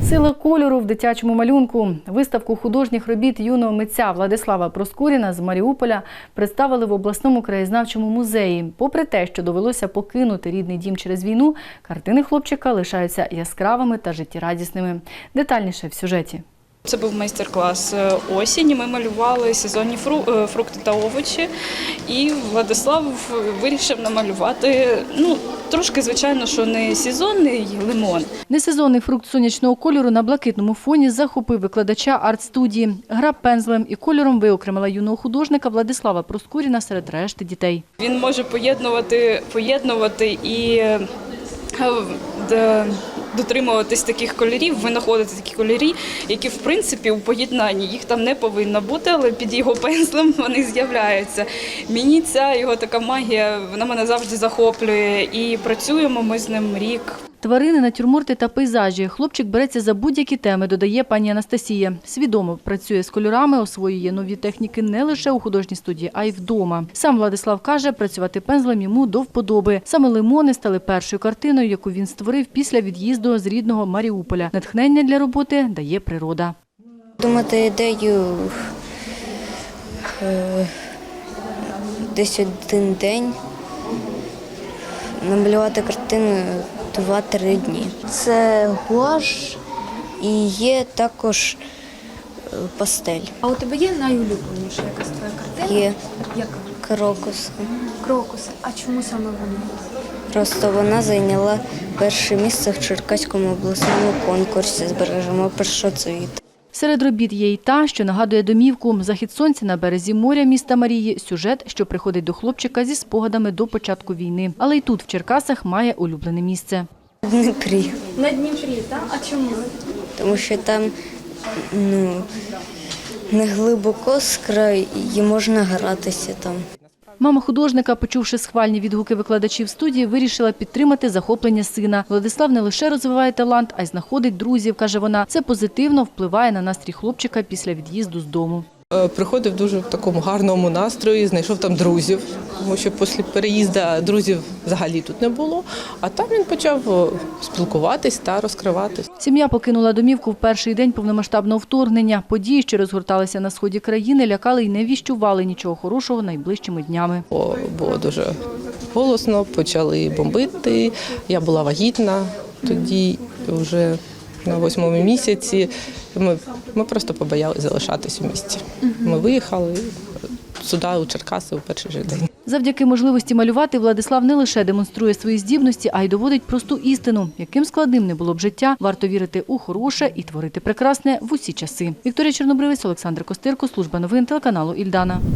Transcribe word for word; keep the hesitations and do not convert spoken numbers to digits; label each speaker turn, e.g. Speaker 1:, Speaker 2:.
Speaker 1: Сила кольору в дитячому малюнку. Виставку художніх робіт юного митця Владислава Проскуріна з Маріуполя представили в обласному краєзнавчому музеї. Попри те, що довелося покинути рідний дім через війну, картини хлопчика лишаються яскравими та життєрадісними. Детальніше в сюжеті.
Speaker 2: Це був майстер-клас осінь. Ми малювали сезонні фрукти та овочі. І Владислав вирішив намалювати, ну, трошки, звичайно, що не сезонний лимон.
Speaker 1: Несезонний фрукт сонячного кольору на блакитному фоні захопив викладача арт-студії. Гра пензлем і кольором виокремила юного художника Владислава Проскуріна серед решти дітей.
Speaker 2: Він може поєднувати, поєднувати і дотримуватись таких кольорів, винаходити такі кольори, які, в принципі, у поєднанні їх там не повинно бути, але під його пензлем вони з'являються. Мені ця його така магія, вона мене завжди захоплює, і працюємо ми з ним рік.
Speaker 1: Тварини, натюрморти та пейзажі. Хлопчик береться за будь-які теми, додає пані Анастасія. Свідомо працює з кольорами, освоює нові техніки не лише у художній студії, а й вдома. Сам Владислав каже, працювати пензлем йому до вподоби. Саме лимони стали першою картиною, яку він створив після від'їзду з рідного Маріуполя. Натхнення для роботи дає природа.
Speaker 3: Думати ідею десь один день, намалювати картину два-три дні. Це гуаш і є також пастель.
Speaker 4: А у тебе є найулюбленіша якась твоя картина?
Speaker 3: Є.
Speaker 4: Яка?
Speaker 3: Крокус.
Speaker 4: Крокуси. А чому саме вона?
Speaker 3: Просто вона зайняла перше місце в Черкаському обласному конкурсі «Збережемо першоцвіт».
Speaker 1: Серед робіт є й та, що нагадує домівку. Захід сонця на березі моря міста Марії – сюжет, що приходить до хлопчика зі спогадами до початку війни. Але й тут, в Черкасах, має улюблене місце.
Speaker 3: В Дніпрі.
Speaker 4: На Дніпрі, так? А чому?
Speaker 3: Тому що там ну, не глибоко з краю і можна гратися там.
Speaker 1: Мама художника, почувши схвальні відгуки викладачів студії, вирішила підтримати захоплення сина. Владислав не лише розвиває талант, а й знаходить друзів, каже вона. Це позитивно впливає на настрій хлопчика після від'їзду з дому.
Speaker 5: Приходив дуже в такому гарному настрої, знайшов там друзів, тому що після переїзду друзів взагалі тут не було, а там він почав спілкуватись та розкриватись.
Speaker 1: Сім'я покинула домівку в перший день повномасштабного вторгнення. Події, що розгорталися на сході країни, лякали і не віщували нічого хорошого найближчими днями.
Speaker 5: Було дуже голосно, почали бомбити, я була вагітна тоді вже на восьмому місяці. Ми, ми просто побоялися залишатись у місті. Ми виїхали сюди, у Черкаси, у перший же день.
Speaker 1: Завдяки можливості малювати Владислав не лише демонструє свої здібності, а й доводить просту істину. Яким складним не було б життя, варто вірити у хороше і творити прекрасне в усі часи. Вікторія Чорнобривець, Олександр Костирко, служба новин телеканалу «Ільдана».